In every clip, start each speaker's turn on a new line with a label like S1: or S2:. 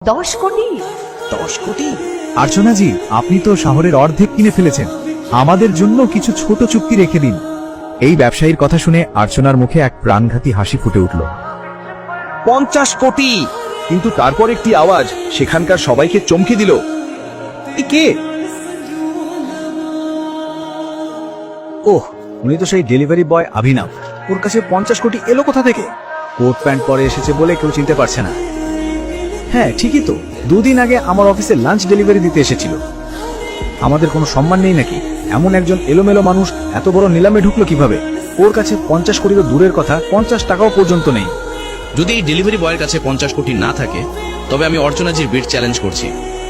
S1: 10 কোটি।
S2: 10 কোটি? আর্চনা জি, আপনি তো শহরের অর্ধেক কিনে ফেলেছেন, আমাদের জন্য কিছু ছোট চুক্তি রেখে দিন। এই ব্যবসায়ীর কথা শুনে আর্চনার মুখে এক প্রাণঘাতী হাসি ফুটে উঠল।
S3: 50 কোটি! কিন্তু তারপর একটি আওয়াজ সেখানকার সবাইকে চমকে দিল। এ কে?
S2: ওহ, উনি তো সেই ডেলিভারি বয় অভিনব। ওর কাছে 50 কোটি এলো কোথা থেকে? কোট প্যান্ট পরে এসেছে বলে কেউ চিনতে পারছে না। হ্যাঁ ঠিকই তো, 2 দিন আগে আমার অফিসে লাঞ্চ ডেলিভারি দিতে এসেছিল। আমাদের কোনো সম্মান নেই নাকি? এমন একজন এলোমেলো মানুষ এত বড় নিলামে ঢুকলো কিভাবে? ওর কাছে 50 কোটি তো দূরের কথা, 50 টাকাও পর্যন্ত নেই।
S4: যদি এই ডেলিভারি বয়ের কাছে 50 কোটি না থাকে, তবে আমি অর্চনাজির বিড চ্যালেঞ্জ করছি।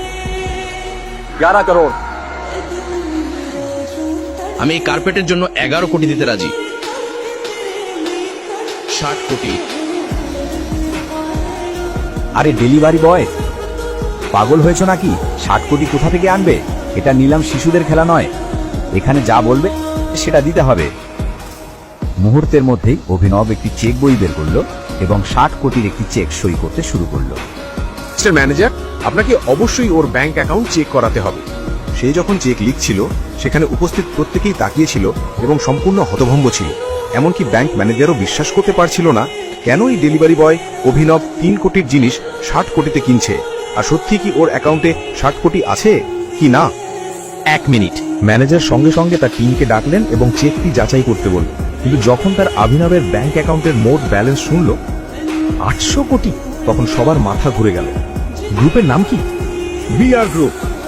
S3: 11 করোড়।
S4: আমি এই কার্পেটের জন্য 11 কোটি দিতে রাজি। 60 কোটি।
S2: আরে ডেলিভারি বয়, পাগল হয়েছো নাকি? 60 কোটি কোথা থেকে আনবে? এটা নিলাম শিশুদের খেলা নয়, এখানে যা বলবে সেটা দিতে হবে। মুহূর্তের মধ্যেই অভিনব একটি চেক বই বের করলো এবং 60 কোটির একটি চেক সই করতে শুরু করলো।
S5: মিস্টার ম্যানেজার, আপনাকে অবশ্যই ওর ব্যাংক অ্যাকাউন্ট চেক করাতে হবে। সে যখন চেক লিখছিল, সেখানে উপস্থিত প্রত্যেকেই তাকিয়েছিল এবং সম্পূর্ণ হতভম্ব ছিল। এমনকি ব্যাংক ম্যানেজারও বিশ্বাস করতে পারছিল না কেন এই ডেলিভারি বয় অভিনব 3 কোটির জিনিস 60 কোটিতে কিনছে। আর সত্যি কি ওর অ্যাকাউন্টে 60 কোটি আছে কি না?
S3: 1 মিনিট। ম্যানেজার সঙ্গে সঙ্গে তার টিমকে ডাকলেন এবং চেকটি যাচাই করতে বললেন। কিন্তু যখন তার অভিনবের ব্যাংক অ্যাকাউন্টের মোট ব্যালেন্স শুনল 800 কোটি, তখন সবার মাথা ঘুরে গেল। গ্রুপের নাম কি?
S5: BR group.